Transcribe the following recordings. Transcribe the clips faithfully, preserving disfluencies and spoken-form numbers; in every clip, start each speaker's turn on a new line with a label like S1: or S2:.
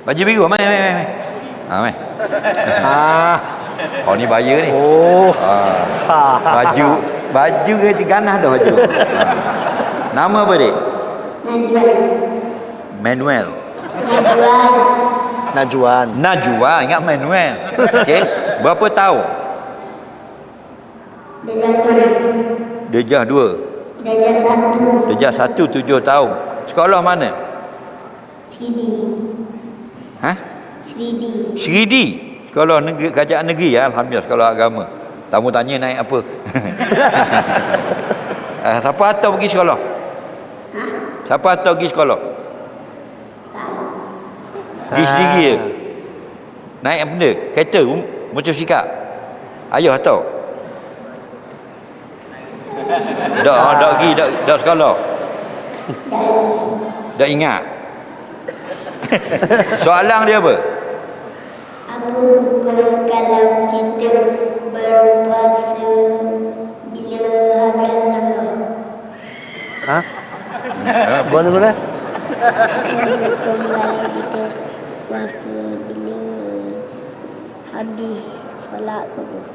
S1: Baju biru, mai mai mai. Ha, mai.
S2: Ah.
S1: Oh, ni bayar ni.
S2: Oh.
S1: Ha. Baju, baju ke ganah dah baju. Ha. Nama apa dik? Manuel.
S2: Najwan.
S1: Najwa, ingat Manuel. Okey. Berapa tahun? Darjah dua.
S3: Darjah satu.
S1: Darjah satu tujuh tahun. Sekolah mana?
S3: Sridi.
S1: Ha?
S3: Sridi.
S1: Sridi. Sekolah negeri, kerajaan negeri ya, alhamdulillah sekolah agama. Tamu tanya naik apa? uh, siapa hantar pergi sekolah?
S3: Ha?
S1: Siapa hantar pergi sekolah? Pergi
S2: Ah.
S1: sendiri je. Naik apa benda? Kereta, um, motosikal. Ayah hantar. Dak, ah. dak pergi, dak, dak sekolah. Dak ingat. Soalan dia apa?
S3: Apa hukum kalau kita berpuasa bila habis Ramadan?
S2: Ha? Boleh boleh.
S3: Apa hukum kalau kita puasa bila habis solat subuh?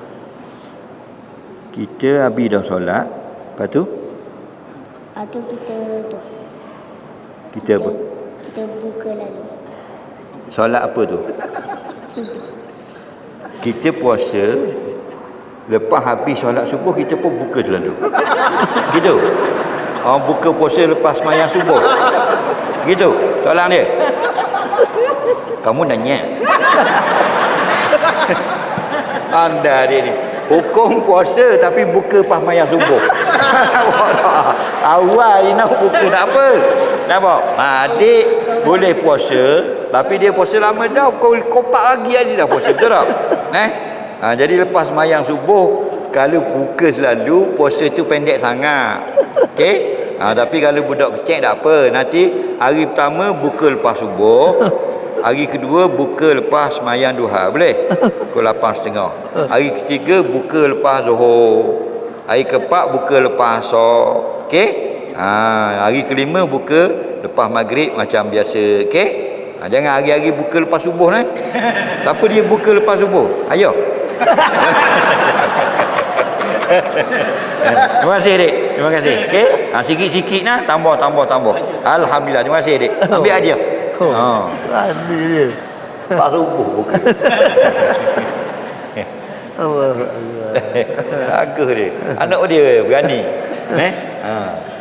S1: Kita habis dah solat. Lepas tu
S3: Lepas tu kita tu.
S1: kita apa?
S3: Kita buka lalu.
S1: Solat apa tu? Kita puasa, lepas habis solat subuh kita pun buka selalu. Gitu. Orang buka puasa lepas sembahyang subuh. Gitu. Soalan dia. Kamu nanya. Anda dia ni. Hukum puasa tapi buka pas sembahyang subuh. Awal ni nak buka tak apa. Nampak? Adik boleh puasa tapi dia puasa lama dah. Kau kopak lagi aja dah puasa. Betul tak? Eh? Ha, jadi lepas sembahyang subuh kalau buka selalu puasa tu pendek sangat. Okey? Ha, tapi kalau budak kecil tak apa. Nanti hari pertama buka lepas subuh. Hari kedua buka lepas sembahyang duha. Boleh? Pukul lapan setengah. Hari ketiga buka lepas zuhur. Hari keempat buka lepas asar. Okey? Ha, hari kelima buka lepas maghrib macam biasa. Okey? Ha, jangan hari-hari buka lepas subuh eh. Siapa dia buka lepas subuh? Ayo. Terima kasih dik. Terima kasih. Okey? Ha, sikit-sikit nah, tambah tambah tambah. Alhamdulillah. Terima kasih dik. Ambil hadiah.
S2: Oh.
S1: Ha.
S2: Tadi dia.
S1: Lepas subuh buka.
S2: Allah.
S1: Bagus dia. Anak dia berani. Eh? Ha.